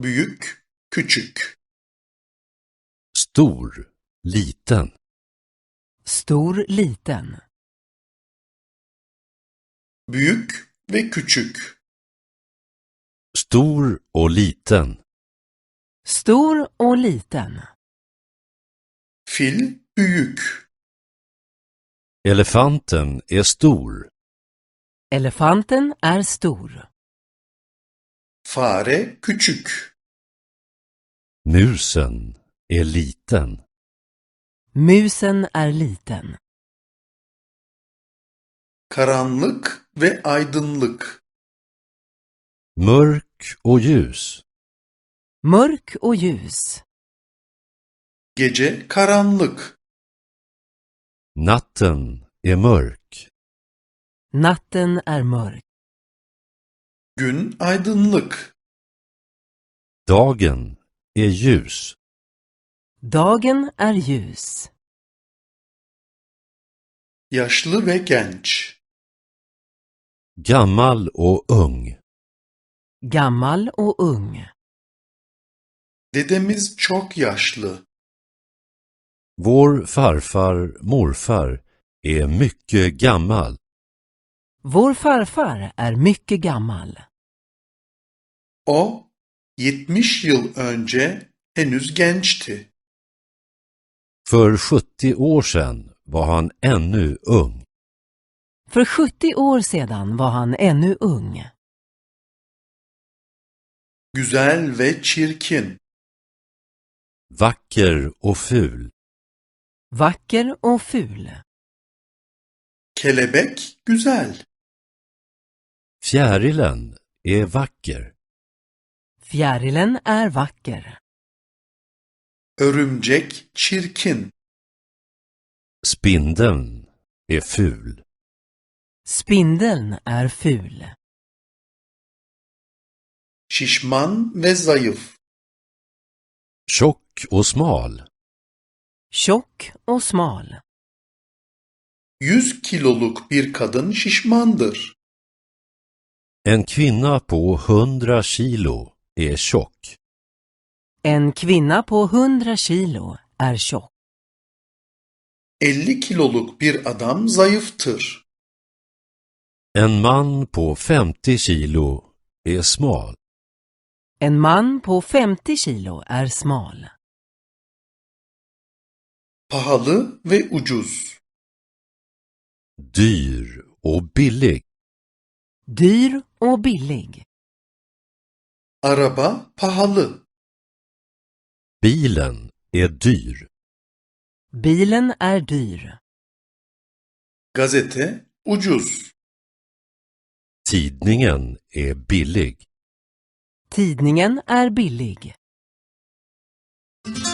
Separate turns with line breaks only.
büyük, küçük.
Stor, liten.
Stor, liten.
Büyük ve küçük.
Stor och liten.
Stor och liten.
Fil büyük.
Elefanten är stor.
Elefanten är stor.
Fare küçük.
Musen är liten.
Musen är liten.
Karanlık ve aydınlık.
Mörk och ljus.
Mörk och ljus.
Gece karanlık.
Natten är mörk.
Natten är mörk.
Gün aydınlık.
Dagen är ljus.
Dagen är ljus.
Yaşlı ve genç.
Gammal och ung.
Gammal och ung.
Dedemiz çok yaşlı.
Vår farfar, morfar är mycket gammal.
Vår farfar är mycket gammal.
O 70 yıl önce henüz gençti.
För 70 år sedan var han ännu ung.
För 70 år sedan var han ännu ung.
Güzel ve çirkin.
Vacker och ful.
Vacker och ful.
Kelebek güzel.
Fjärilen är vacker.
Fjärilen är vacker.
Örümcek çirkin.
Spindeln är ful.
Spindeln är ful.
Şişman ve zayıf.
Tjock och smal.
Tjock och smal.
100 kiloluk bir kadın şişmandır.
En kvinna på 100 kilo är tjock.
En kvinna på 100 kilo är tjock.
50 kiloluk bir adam zayıftır.
En man på 50 kilo är smal.
En man på 50 kilo är smal.
Pahalı ve ucuz.
Dyr och billig.
Dyr och billig.
Araba pahalı.
Bilen är dyr.
Bilen är dyr.
Gazete ucuz.
Tidningen är billig.
Tidningen är billig.